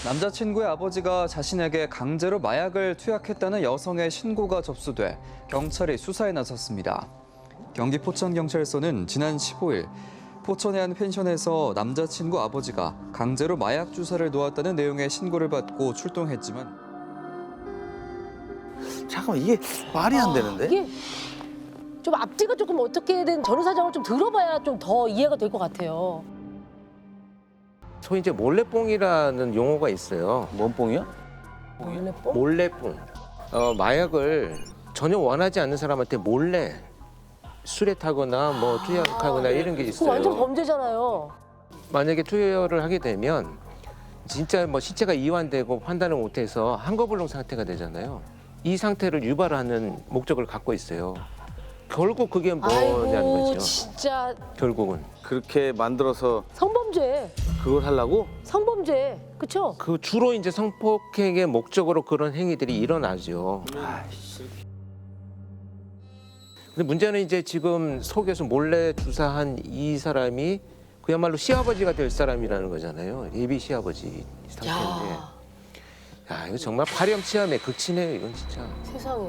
남자친구의 아버지가 자신에게 강제로 마약을 투약했다는 여성의 신고가 접수돼 경찰이 수사에 나섰습니다. 경기 포천경찰서는 지난 15일 포천의 한 펜션에서 남자친구 아버지가 강제로 마약 주사를 놓았다는 내용의 신고를 받고 출동했지만 잠깐만, 이게 말이 안 되는데? 이게 좀 앞뒤가 조금 어떻게든 전후 사정을 좀 들어봐야 좀 더 이해가 될 것 같아요. 소위 이제 몰래뽕이라는 용어가 있어요. 뭔 뽕이야? 몰래뽕? 몰래뽕. 마약을 전혀 원하지 않는 사람한테 몰래 수뢰타거나 뭐 투약하거나 이런 게 그거 완전 있어요. 범죄잖아요. 만약에 투여를 하게 되면 진짜 뭐 시체가 이완되고 판단을 못해서 한거불능 상태가 되잖아요. 이 상태를 유발하는 목적을 갖고 있어요. 결국 그게 뭐냐는 아이고 거죠. 진짜 결국은. 그렇게 만들어서 성범죄. 그걸 하려고? 성범죄. 그쵸? 그 주로 이제 성폭행의 목적으로 그런 행위들이 일어나죠. 근데 문제는 이제 지금 속에서 몰래 주사한 이 사람이 그야말로 시아버지가 될 사람이라는 거잖아요. 예비 시아버지 상태인데. 야, 이거 정말 파렴치함의 극치네요, 이건 진짜. 세상에.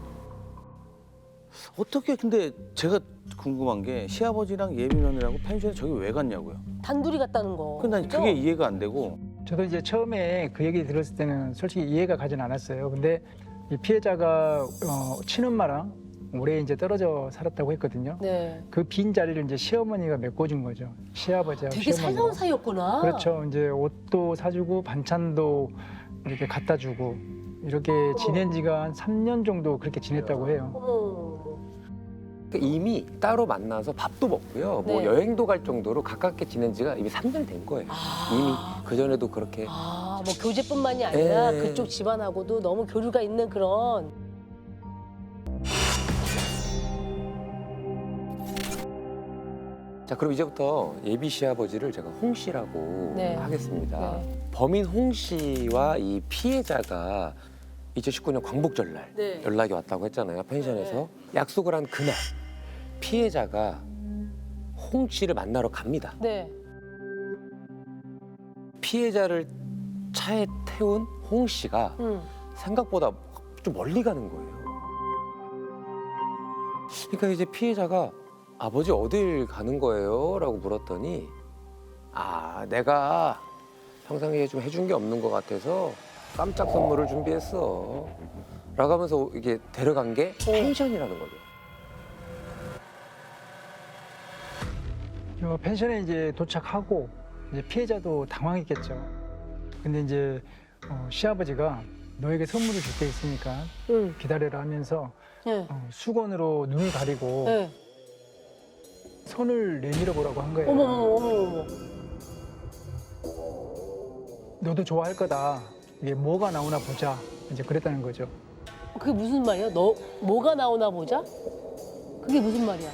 어떻게, 근데 제가 궁금한 게 시아버지랑 예비면이라고 펜션에 저기 왜 갔냐고요? 단둘이 갔다는 거. 근데 난 그죠? 그게 이해가 안 되고. 저도 이제 처음에 그 얘기 들었을 때는 솔직히 이해가 가진 않았어요. 근데 이 피해자가 친엄마랑 오래 이제 떨어져 살았다고 했거든요. 네. 그 빈 자리를 이제 시어머니가 메꿔준 거죠. 시아버지하고 되게 시어머니가. 살가운 사이였구나. 그렇죠. 이제 옷도 사주고 반찬도 이렇게 갖다 주고 이렇게 지낸 지가 한 3년 정도 그렇게 지냈다고 해요. 어머. 그러니까 이미 따로 만나서 밥도 먹고요. 뭐 네. 여행도 갈 정도로 가깝게 지낸 지가 이미 3년이 된 거예요. 이미 그전에도 그렇게. 뭐 교제뿐만이 아니라 예. 그쪽 집안하고도 너무 교류가 있는 그런. 자, 그럼 이제부터 예비 시아버지를 제가 홍 씨라고 네. 하겠습니다. 네. 범인 홍 씨와 이 피해자가 2019년 광복절날 네. 연락이 왔다고 했잖아요. 펜션에서. 약속을 한 그날 피해자가 홍 씨를 만나러 갑니다. 네. 피해자를 차에 태운 홍 씨가 생각보다 좀 멀리 가는 거예요. 그러니까 이제 피해자가 아버지 어딜 가는 거예요? 라고 물었더니 내가 평상시에 좀 해준 게 없는 것 같아서 깜짝 선물을 준비했어. 라고 하면서 이게 데려간 게 펜션이라는 거죠. 펜션에 이제 도착하고 이제 피해자도 당황했겠죠. 근데 이제 시아버지가 너에게 선물을 줄 게 있으니까 기다려라 하면서 네. 수건으로 눈을 가리고 네. 손을 내밀어 보라고 한 거예요. 어머. 너도 좋아할 거다. 이게 뭐가 나오나 보자. 이제 그랬다는 거죠. 그게 무슨 말이야? 너 뭐가 나오나 보자? 그게 무슨 말이야?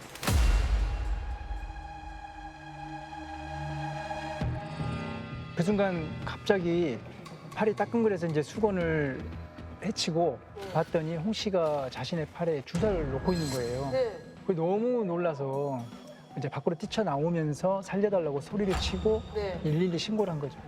그 순간 갑자기 팔이 따끔거려서 이제 수건을 헤치고 봤더니 홍 씨가 자신의 팔에 주사를 놓고 있는 거예요. 네. 그 너무 놀라서 이제 밖으로 뛰쳐나오면서 살려달라고 소리를 치고 네. 112 신고를 한 거죠.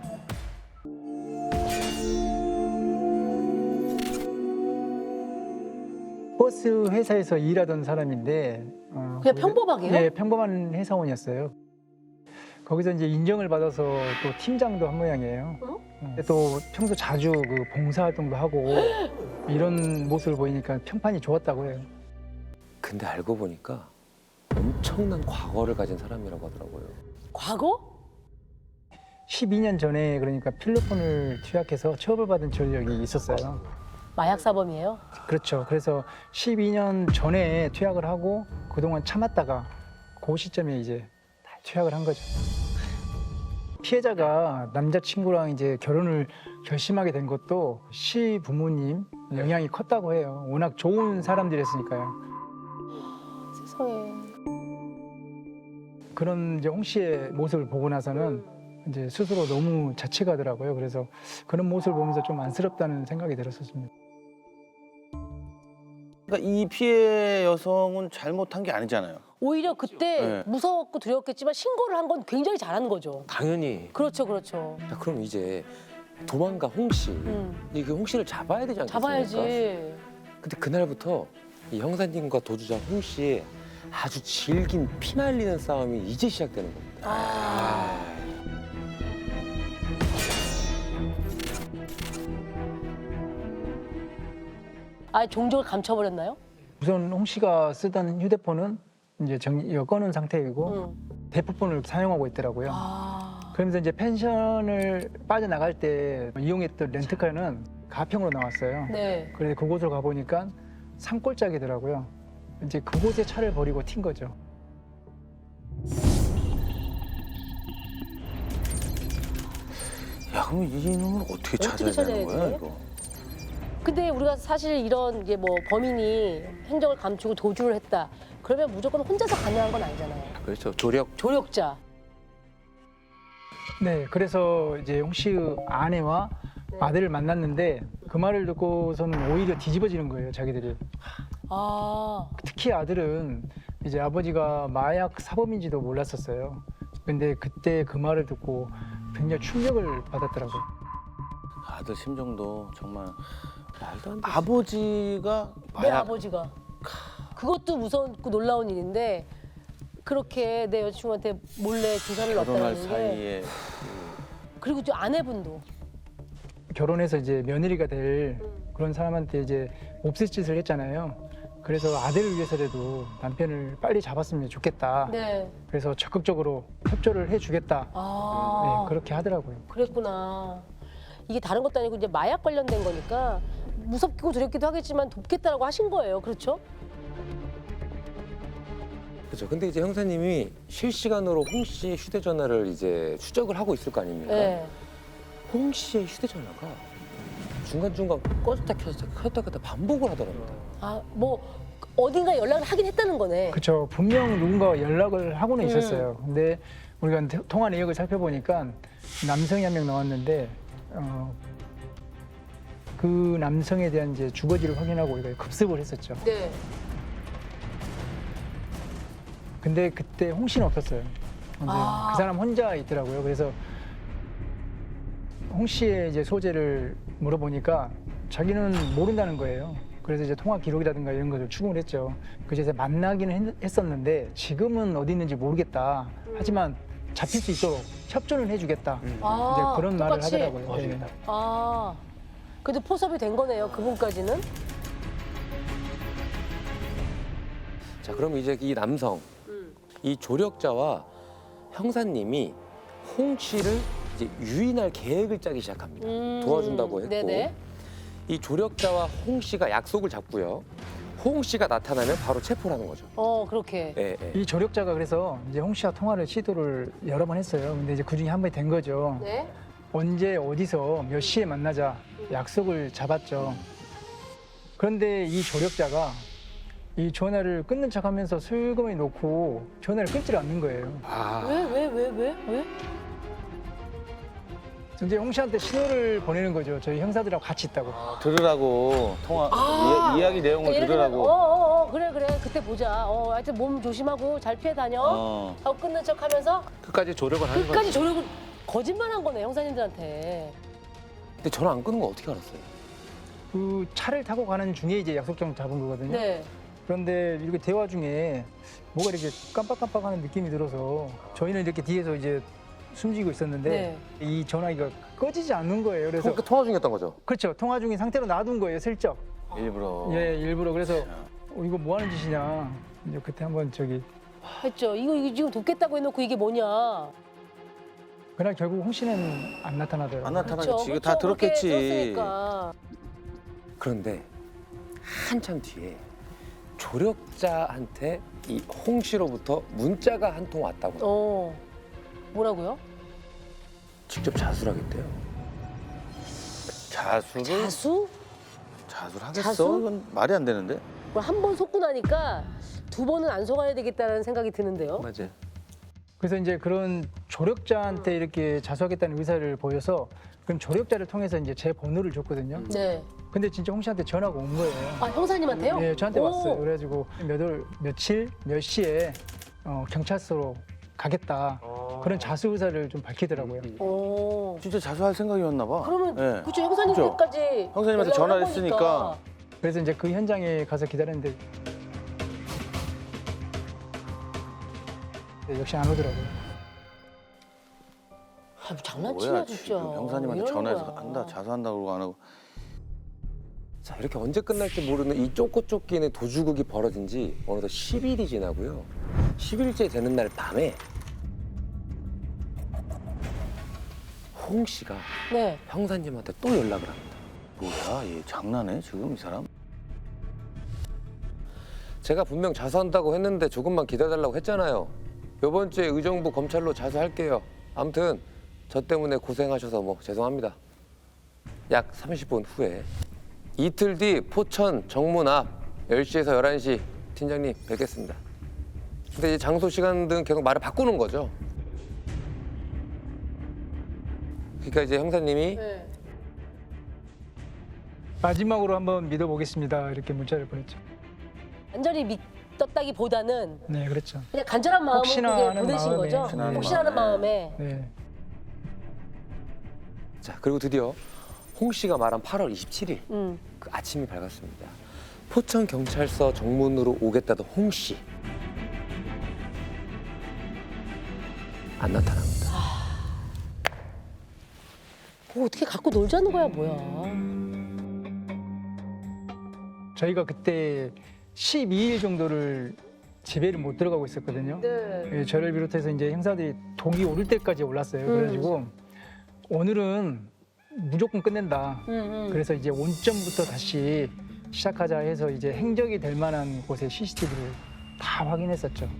버스 회사에서 일하던 사람인데 그냥 평범하게요? 네, 평범한 회사원이었어요. 거기서 이제 인정을 받아서 또 팀장도 한 모양이에요. 또 평소 자주 그 봉사활동도 하고 이런 모습을 보이니까 평판이 좋았다고 해요. 근데 알고 보니까 엄청난 과거를 가진 사람이라고 하더라고요. 과거? 12년 전에 그러니까 필로폰을 투약해서 처벌받은 전력이 있었어요. 마약 사범이에요? 그렇죠. 그래서 12년 전에 투약을 하고 그동안 참았다가 그 시점에 이제 다 투약을 한 거죠. 피해자가 남자친구랑 이제 결혼을 결심하게 된 것도 시 부모님 영향이 컸다고 해요. 워낙 좋은 사람들이었으니까요. 세상에. 그런 이제 홍 씨의 모습을 보고 나서는 이제 스스로 너무 자책하더라고요. 그래서 그런 모습을 보면서 좀 안쓰럽다는 생각이 들었었습니다. 그러니까 이 피해 여성은 잘못한 게 아니잖아요. 오히려 그때 네. 무서웠고 두려웠겠지만 신고를 한 건 굉장히 잘한 거죠. 당연히. 그렇죠. 자, 그럼 이제 도망가 홍 씨. 이그 홍 씨를 잡아야 되지 않겠습니까? 잡아야지. 근데 그날부터 이 형사님과 도주자 홍 씨의 아주 질긴 피날리는 싸움이 이제 시작되는 겁니다. 아, 종족을 감춰버렸나요? 우선 홍 씨가 쓰던 휴대폰은 이제 꺼놓은 상태이고 대포폰을 사용하고 있더라고요. 그러면서 이제 펜션을 빠져나갈 때 이용했던 렌트카는 가평으로 나왔어요. 네. 그래서 그곳을 가보니까 산골짜기더라고요. 이제 그곳에 차를 버리고 튄 거죠. 야, 그럼 이놈을 어떻게 찾아야 찾아야 되는 거야, 돼? 이거? 근데 우리가 사실 이런 게 뭐 범인이 행적을 감추고 도주를 했다. 그러면 무조건 혼자서 가능한 건 아니잖아요. 그렇죠. 조력. 조력자. 네, 그래서 이제 홍 씨의 아내와 아들을 만났는데 그 말을 듣고서는 오히려 뒤집어지는 거예요, 자기들이. 아, 특히 아들은 이제 아버지가 마약 사범인지도 몰랐었어요. 근데 그때 그 말을 듣고 굉장히 충격을 받았더라고요. 아들 심정도 정말 말도 안 돼. 아버지가 내 마약 아버지가. 그것도 무섭고 놀라운 일인데 그렇게 내 여자친구한테 몰래 조사를 결혼할 놨다는 게. 사이에 그리고 또 아내분도. 결혼해서 이제 며느리가 될 그런 사람한테 이제 몹쓸 짓을 했잖아요. 그래서 아들을 위해서라도 남편을 빨리 잡았으면 좋겠다. 네. 그래서 적극적으로 협조를 해주겠다. 아, 네, 그렇게 하더라고요. 그랬구나. 이게 다른 것도 아니고 이제 마약 관련된 거니까 무섭고 두렵기도 하겠지만 돕겠다라고 하신 거예요. 그렇죠? 그렇죠. 근데 이제 형사님이 실시간으로 홍 씨의 휴대전화를 이제 추적을 하고 있을 거 아닙니까? 네. 홍 씨의 휴대전화가 중간중간 꺼졌다 켰다 반복을 하더랍니다. 아, 뭐 어딘가 연락을 하긴 했다는 거네. 그렇죠. 분명 누군가와 연락을 하고는 있었어요. 근데 우리가 통화 내역을 살펴보니까 남성이 한 명 나왔는데 그 남성에 대한 이제 주거지를 확인하고 우리가 급습을 했었죠. 네. 근데 그때 홍 씨는 없었어요. 이제 아. 그 사람 혼자 있더라고요. 그래서 홍 씨의 이제 소재를 물어보니까 자기는 모른다는 거예요. 그래서 이제 통화 기록이라든가 이런 것을 추궁을 했죠. 그래서 만나기는 했었는데 지금은 어디 있는지 모르겠다. 하지만 잡힐 수 있도록 협조는 해주겠다. 이제 아, 그런 말을 똑같이? 하더라고요. 네. 아, 그래도 포섭이 된 거네요. 그분까지는. 자, 그럼 이제 이 남성, 이 조력자와 형사님이 홍 씨를 이제 유인할 계획을 짜기 시작합니다. 도와준다고 했고. 네네. 이 조력자와 홍 씨가 약속을 잡고요. 홍 씨가 나타나면 바로 체포를 하는 거죠. 그렇게. 예, 예. 이 조력자가 그래서 이제 홍 씨와 통화를 시도를 여러 번 했어요. 근데 이제 그 중에 한 번이 된 거죠. 네. 언제 어디서 몇 시에 만나자 약속을 잡았죠. 그런데 이 조력자가 이 전화를 끊는 척하면서 슬그머니 놓고 전화를 끊질 않는 거예요. 아, 왜? 이제 홍 씨한테 신호를 보내는 거죠. 저희 형사들하고 같이 있다고. 들으라고 통화 이야기 내용을 예를 들면, 들으라고. 그래. 그때 보자. 하여튼 몸 조심하고 잘 피해 다녀. 하고 끊는 척 하면서 끝까지 조력을 하는 끝까지 거죠. 조력을 거짓말한 거네, 형사님들한테. 근데 전화 안 끊은 거 어떻게 알았어요? 그 차를 타고 가는 중에 이제 약속장 잡은 거거든요. 네. 그런데 이렇게 대화 중에 뭐가 이렇게 깜빡깜빡하는 느낌이 들어서 저희는 이렇게 뒤에서 이제 숨지고 있었는데 네. 이 전화기가 꺼지지 않는 거예요. 그래서 그러니까 통화 중이었던 거죠? 그렇죠. 통화 중인 상태로 놔둔 거예요. 슬쩍. 일부러. 예, 일부러. 그래서 이거 뭐 하는 짓이냐. 이제 그때 한번 했죠. 이거 지금 돕겠다고 해놓고 이게 뭐냐. 그날 결국 홍 씨는 안 나타나더라고요. 안 나타나겠지. 이거 다 그렇게 들었겠지. 들었으니까. 그런데 한참 뒤에 조력자한테 이 홍 씨로부터 문자가 한 통 왔다고. 뭐라고요? 직접 자수하겠대요. 자수를 자수? 자수를 하겠어? 자수? 이건 말이 안 되는데. 한 번 속고 나니까 두 번은 안 속아야 되겠다는 생각이 드는데요. 맞아요. 그래서 이제 그런 조력자한테 이렇게 자수하겠다는 의사를 보여서 그럼 조력자를 통해서 이제 제 번호를 줬거든요. 네. 근데 진짜 홍 씨한테 전화가 온 거예요. 아, 형사님한테요? 네, 저한테 오. 왔어요. 그래가지고 며칠 몇 시에 경찰서로 가겠다. 그런 자수 의사를 좀 밝히더라고요. 어. 진짜 자수할 생각이었나 봐. 그러면 예. 그쵸 형사님께까지 형사님한테 연락을 전화를 한 거니까. 했으니까. 그래서 이제 그 현장에 가서 기다렸는데 역시 안 오더라고요. 아, 뭐 장난치냐 뭐야 진짜. 지금 형사님한테 이러는 전화해서 거야. 한다 자수한다 그러고 안 하고. 자, 이렇게 언제 끝날지 모르는 이 쫓고 쫓기는 도주극이 벌어진 지 어느덧 10일이 지나고요. 10일째 되는 날 밤에 홍 씨가 네. 형사님한테 또 연락을 합니다. 뭐야 얘 장난해 지금 이 사람? 제가 분명 자수한다고 했는데 조금만 기다려달라고 했잖아요. 이번 주에 의정부 검찰로 자수할게요. 아무튼 저 때문에 고생하셔서 뭐 죄송합니다. 약 30분 후에 이틀 뒤 포천 정문 앞 10시에서 11시 팀장님 뵙겠습니다. 근데 이제 장소 시간 등 계속 말을 바꾸는 거죠. 그러니까 이제 형사님이 네. 마지막으로 한번 믿어보겠습니다. 이렇게 문자를 보냈죠. 완전히 믿었다기보다는 네, 그렇죠. 그냥 간절한 마음으로 혹시나 그게 하는 보내신 마음에, 거죠? 혹시나 하는 혹시나 하는 마음에. 마음에. 네. 자, 그리고 드디어 홍 씨가 말한 8월 27일 그 아침이 밝았습니다. 포천 경찰서 정문으로 오겠다던 홍 씨. 안 나타납니다. 그거 어떻게 갖고 놀자는 거야 뭐야. 저희가 그때 12일 정도를 집에를 못 들어가고 있었거든요. 네. 예, 저를 비롯해서 이제 형사들이 독이 오를 때까지 올랐어요. 그래가지고 오늘은 무조건 끝낸다. 그래서 이제 원점부터 다시 시작하자 해서 이제 행적이 될 만한 곳에 CCTV를 다 확인했었죠.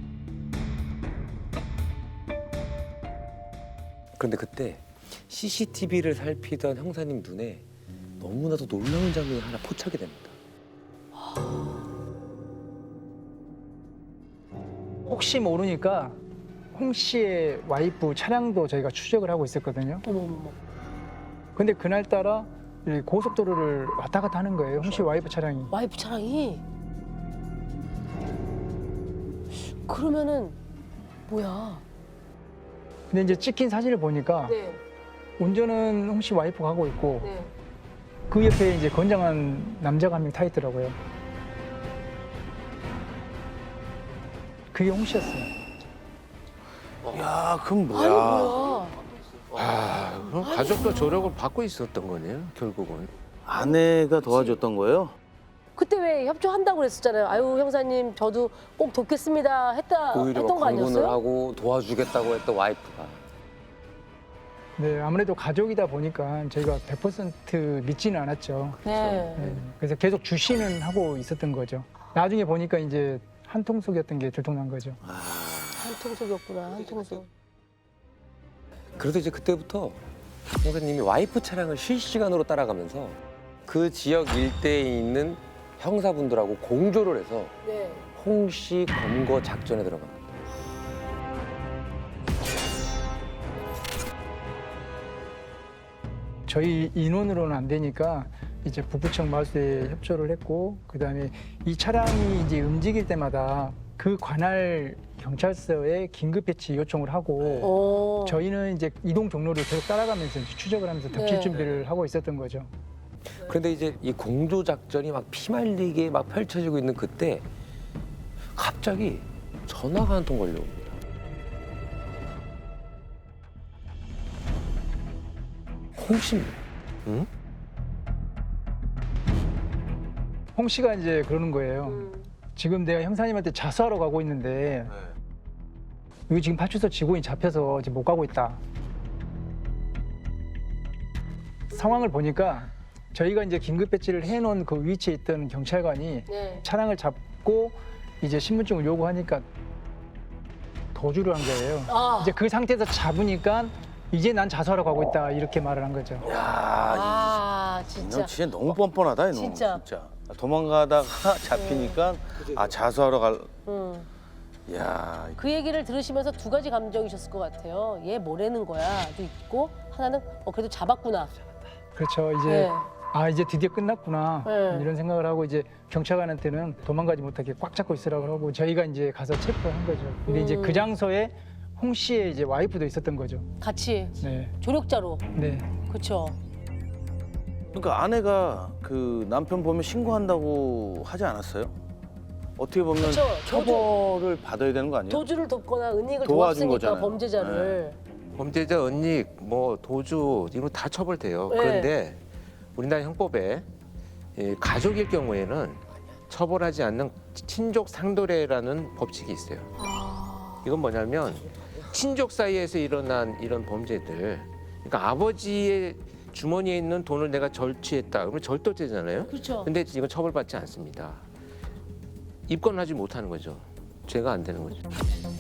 그런데 그때 CCTV를 살피던 형사님 눈에 너무나도 놀라운 장면이 하나 포착이 됩니다. 혹시 모르니까 홍 씨의 와이프 차량도 저희가 추적을 하고 있었거든요. 어머머머. 근데 그날따라 이 고속도로를 왔다 갔다 하는 거예요. 홍 씨 와이프 차량이. 와이프 차량이. 그러면은 뭐야? 근데 이제 찍힌 사진을 보니까 네. 운전은 홍 씨 와이프가 하고 있고 네. 그 옆에 이제 건장한 남자가 한 명 타 있더라고요. 그게 홍 씨였어요. 야 그럼 아니 뭐야? 뭐야? 아, 그럼 가족도 조력을 받고 있었던 거네요, 결국은. 아내가 도와줬던 거예요? 그때 왜 협조한다고 그랬었잖아요. 아유 형사님 저도 꼭 돕겠습니다 오히려 했던 거 막 강군을 아니었어요? 하고 도와주겠다고 했던 와이프가. 네, 아무래도 가족이다 보니까 저희가 100% 믿지는 않았죠. 네. 네, 그래서 계속 주시는 하고 있었던 거죠. 나중에 보니까 이제 한통속이었던 게 들통난 거죠. 한통속이었구나 한통속. 그래서 이제 그때부터 형사님이 와이프 차량을 실시간으로 따라가면서 그 지역 일대에 있는 형사분들하고 공조를 해서 네. 홍 씨 검거 작전에 들어갑니다. 저희 인원으로는 안 되니까 이제 북부청 마수에 협조를 했고 그다음에 이 차량이 이제 움직일 때마다 그 관할 경찰서에 긴급 배치 요청을 하고 저희는 이제 이동 경로를 계속 따라가면서 이제 추적을 하면서 덮칠 네. 준비를 하고 있었던 거죠. 그런데 이제 이 공조 작전이 막 피말리게 막 펼쳐지고 있는 그때 갑자기 전화가 한 통 걸려옵니다. 홍 씨입니다. 홍 씨가 이제 그러는 거예요. 지금 내가 형사님한테 자수하러 가고 있는데 여기 지금 파출소 직원이 잡혀서 지금 못 가고 있다. 상황을 보니까 저희가 이제 긴급 배치를 해놓은 그 위치에 있던 경찰관이 네. 차량을 잡고 이제 신분증을 요구하니까 도주를 한 거예요. 아. 이제 그 상태에서 잡으니까 이제 난 자수하러 가고 있다 이렇게 말을 한 거죠. 야 아 너 진짜. 진짜 너무 뻔뻔하다 이놈. 진짜. 도망가다가 잡히니까 아 자수하러 갈. 음. 야 그 얘기를 들으시면서 두 가지 감정이셨을 것 같아요. 얘 뭐라는 거야도 있고 하나는 그래도 잡았구나. 그렇죠. 이제 네. 아 이제 드디어 끝났구나 네. 이런 생각을 하고 이제 경찰관한테는 도망가지 못하게 꽉 잡고 있으라고 하고 저희가 이제 가서 체포한 거죠. 근데 이제 그 장소에 홍 씨의 이제 와이프도 있었던 거죠. 같이 네, 조력자로. 네. 그렇죠. 그러니까 아내가 그 남편 보면 신고한다고 하지 않았어요? 어떻게 보면 그쵸, 처벌을 받아야 되는 거 아니에요? 도주를 돕거나 은닉을 도와준 도왔으니까 거잖아요. 범죄자를. 범죄자 은닉, 뭐 도주 이런 거 다 처벌돼요. 네. 그런데 우리나라 형법에 가족일 경우에는 처벌하지 않는 친족 상도례라는 법칙이 있어요. 이건 뭐냐면 친족 사이에서 일어난 이런 범죄들, 그러니까 아버지의 주머니에 있는 돈을 내가 절취했다, 그러면 절도죄잖아요. 그렇죠. 근데 이건 처벌받지 않습니다. 입건하지 못하는 거죠. 죄가 안 되는 거죠.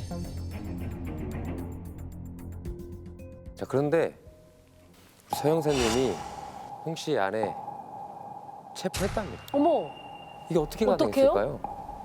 자, 그런데 서 형사님이 홍 씨 아내 체포했답니다. 어머, 이게 어떻게 어떡해요? 가능했을까요?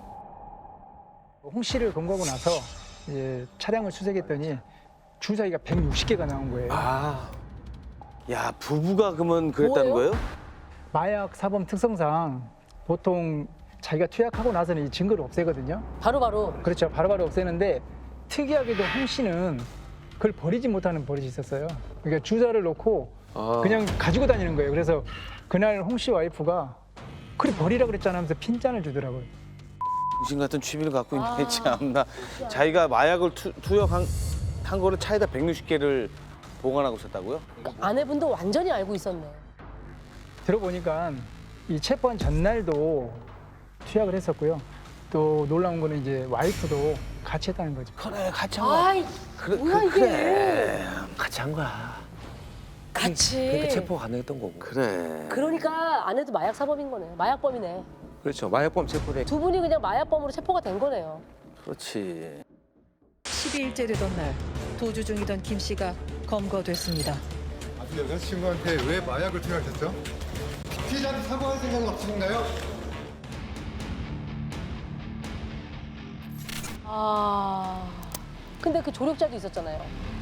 홍 씨를 검거하고 나서 이제 차량을 수색했더니 주사위가 160개가 나온 거예요. 아, 야 부부가 그러면 그랬다는 뭐예요? 거예요? 마약 사범 특성상 보통 자기가 투약하고 나서는 이 증거를 없애거든요. 바로. 그렇죠. 바로바로 없애는데 특이하게도 홍 씨는 그걸 버리지 못하는 버릇이 있었어요. 그러니까 주사를 놓고 그냥 가지고 다니는 거예요. 그래서 그날 홍 씨 와이프가 그래 버리라 그랬잖아 하면서 핀잔을 주더라고요. 당신 같은 취미를 갖고 있네 참나. 자기가 마약을 투약한 거를 차에다 160개를 보관하고 있었다고요? 아내분도 완전히 알고 있었네. 들어보니까 이 체포한 전날도 투약을 했었고요. 또 놀라운 거는 이제 와이프도 같이 했다는 거죠. 그래 같이 한 거야. 아이, 뭐야 이게. 그래 같이 한 거야. 같이. 그러니까 체포가 가능했던 거고. 그래. 그러니까 아내도 마약 사범인 거네요. 마약범이네. 그렇죠. 마약범 체포를 두 분이 그냥 마약범으로 체포가 된 거네요. 그렇지. 12일째 되던 날 도주 중이던 김 씨가 검거됐습니다. 아직 여자친구한테 왜 마약을 투약했죠? 피해자한테 사과할 생각은 없으신가요? 아, 근데 그 조력자도 있었잖아요.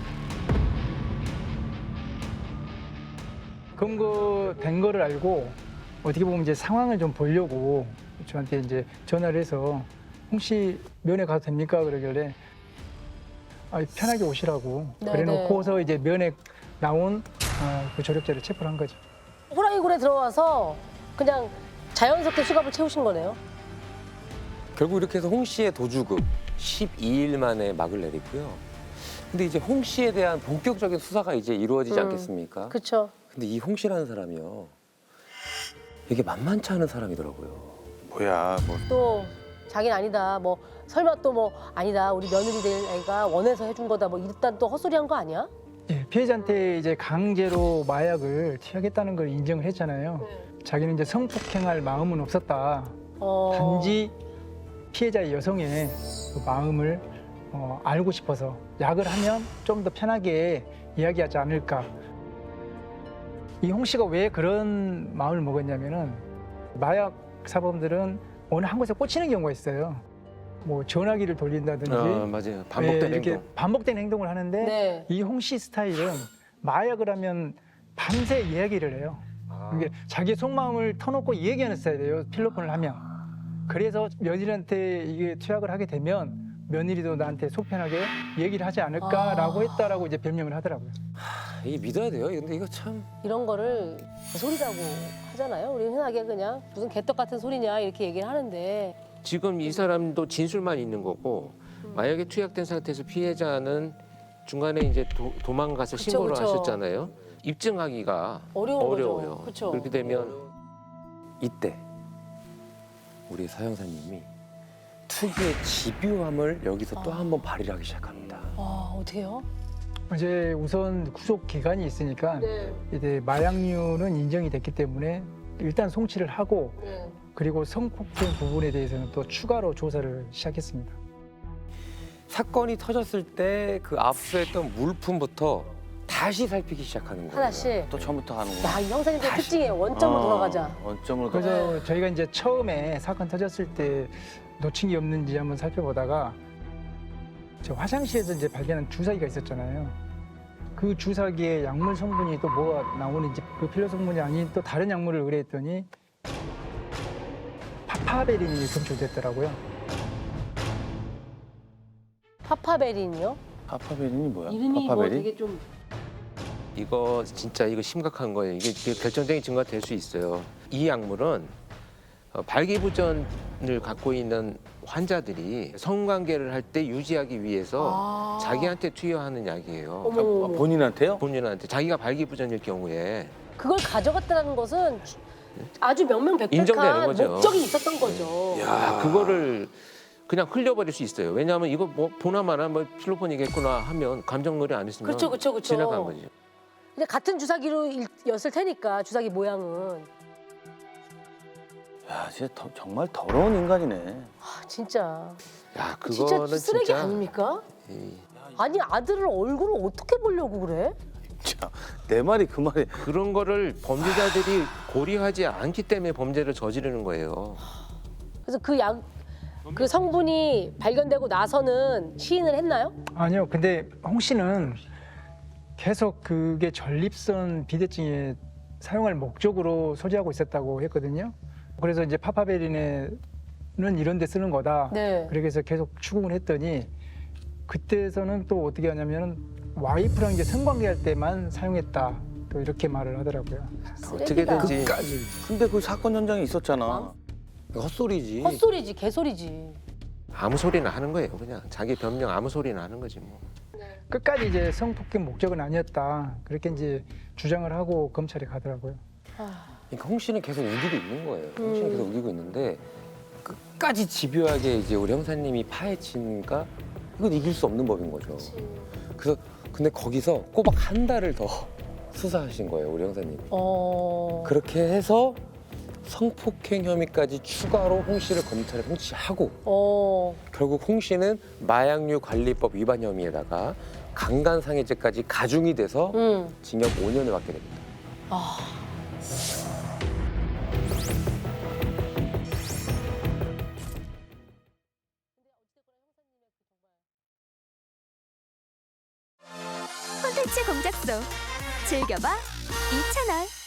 검거된 거를 알고 어떻게 보면 이제 상황을 좀 보려고 저한테 이제 전화를 해서 홍 씨 면회 가도 됩니까? 그러길래 편하게 오시라고 네네. 그래놓고서 이제 면회 나온 그 조력자를 체포를 한 거죠. 호랑이굴에 들어와서 그냥 자연스럽게 수갑을 채우신 거네요. 결국 이렇게 해서 홍 씨의 도주급 12일 만에 막을 내리고요. 근데 이제 홍 씨에 대한 본격적인 수사가 이제 이루어지지 않겠습니까? 그렇죠. 근데 이 홍 씨라는 사람이요. 이게 만만치 않은 사람이더라고요. 뭐야 뭐 또 자기는 아니다. 뭐 설마 또 뭐 아니다. 우리 며느리 될 애가 원해서 해준 거다. 뭐 일단 또 헛소리한 거 아니야? 예, 피해자한테 이제 강제로 마약을 투약했다는 걸 인정을 했잖아요. 자기는 이제 성폭행할 마음은 없었다. 단지 피해자의 여성의 그 마음을 알고 싶어서 약을 하면 좀 더 편하게 이야기하지 않을까. 이 홍 씨가 왜 그런 마음을 먹었냐면은 마약 사범들은 어느 한 곳에 꽂히는 경우가 있어요. 뭐 전화기를 돌린다든지 맞아요. 반복된 이렇게 행동. 반복된 행동을 하는데 네. 이 홍 씨 스타일은 마약을 하면 밤새 이야기를 해요. 이게 자기 속마음을 터놓고 얘기하는 스타일이에요. 필로폰을 하면. 그래서 며느리한테 이게 투약을 하게 되면 며느리도 나한테 속 편하게 얘기를 하지 않을까라고 했다라고 이제 변명을 하더라고요. 이게 믿어야 돼요. 근데 이거 참. 이런 거를 소리라고 하잖아요. 우리 흔하게 그냥 무슨 개떡 같은 소리냐 이렇게 얘기를 하는데 지금 이 사람도 진술만 있는 거고 마약에 투약된 상태에서 피해자는 중간에 이제 도망가서 그쵸, 신고를 그쵸. 하셨잖아요. 입증하기가 어려운 어려워요. 거죠. 그쵸. 그렇게 되면 이때 우리 서 형사님이 특유의 집요함을 여기서 또 한 번 발휘를 하기 시작합니다. 어떻게요? 이제 우선 구속 기간이 있으니까 네. 이제 마약류는 인정이 됐기 때문에 일단 송치를 하고 네. 그리고 성폭행 부분에 대해서는 또 추가로 조사를 시작했습니다. 사건이 터졌을 때 그 압수했던 물품부터 다시 살피기 시작하는 거예요. 하나씩. 또 처음부터 가는구나. 야, 이 형사님들 특징이에요. 원점으로 돌아가자. 원점으로 돌아가. 그래서 저희가 이제 처음에 사건 터졌을 때 놓친 게 없는지 한번 살펴보다가 저 화장실에서 이제 발견한 주사기가 있었잖아요. 그 주사기에 약물 성분이 또 뭐가 나오는지 그 필러 성분이 아닌 또 다른 약물을 의뢰했더니 파파베린이 검출됐더라고요. 파파베린이요? 파파베린이 뭐야? 이름이 뭐 파파베린? 되게 좀 이거 진짜 이거 심각한 거예요. 이게 결정적인 증거가 될 수 있어요. 이 약물은 발기부전을 갖고 있는 환자들이 성관계를 할 때 유지하기 위해서 자기한테 투여하는 약이에요. 어머, 어머. 본인한테요? 본인한테 자기가 발기부전일 경우에 그걸 가져갔다는 것은 아주 인정되는 명명백백한 거죠. 목적이 있었던 거죠. 그거를 그냥 흘려버릴 수 있어요. 왜냐하면 이거 뭐 보나마나 뭐 필로폰이겠구나 하면 감정놀이 안 했으면 그쵸, 그쵸, 그쵸. 지나간 거죠. 근데 같은 주사기로였을 테니까 주사기 모양은 야, 진짜 정말 더러운 인간이네. 아, 진짜 야 진짜 그거는 쓰레기 진짜 아닙니까? 이- 아니 아들을 얼굴을 어떻게 보려고 그래? 자, 내 말이 그 말이. 그런 거를 범죄자들이 고려하지 않기 때문에 범죄를 저지르는 거예요. 그래서 그 성분이 발견되고 나서는 시인을 했나요? 아니요. 근데 홍 씨는 계속 그게 전립선 비대증에 사용할 목적으로 소지하고 있었다고 했거든요. 그래서 이제 파파베린은 이런 데 쓰는 거다. 네. 그래서 계속 추궁을 했더니 그때에서는 또 어떻게 하냐면은 와이프랑 이제 성관계할 때만 사용했다. 또 이렇게 말을 하더라고요. 어떻게든지 근데 그 사건 현장에 있었잖아. 헛소리지. 헛소리지, 개소리지. 아무 소리나 하는 거예요. 그냥 자기 변명 아무 소리나 하는 거지 뭐. 끝까지 이제 성폭행 목적은 아니었다. 그렇게 이제 주장을 하고 검찰에 가더라고요. 그러니까 홍 씨는 계속 우기고 있는 거예요. 홍 씨는 계속 우기고 있는데 끝까지 집요하게 이제 우리 형사님이 파헤치니까 이건 이길 수 없는 법인 거죠. 그래서 근데 거기서 꼬박 한 달을 더 수사하신 거예요, 우리 형사님이. 그렇게 해서 성폭행 혐의까지 추가로 홍 씨를 검찰에 송치하고 결국 홍 씨는 마약류 관리법 위반 혐의에다가 강간상해죄까지 가중이 돼서 징역 5년을 받게 됩니다. 콘텐츠 공작소 즐겨봐 이채널.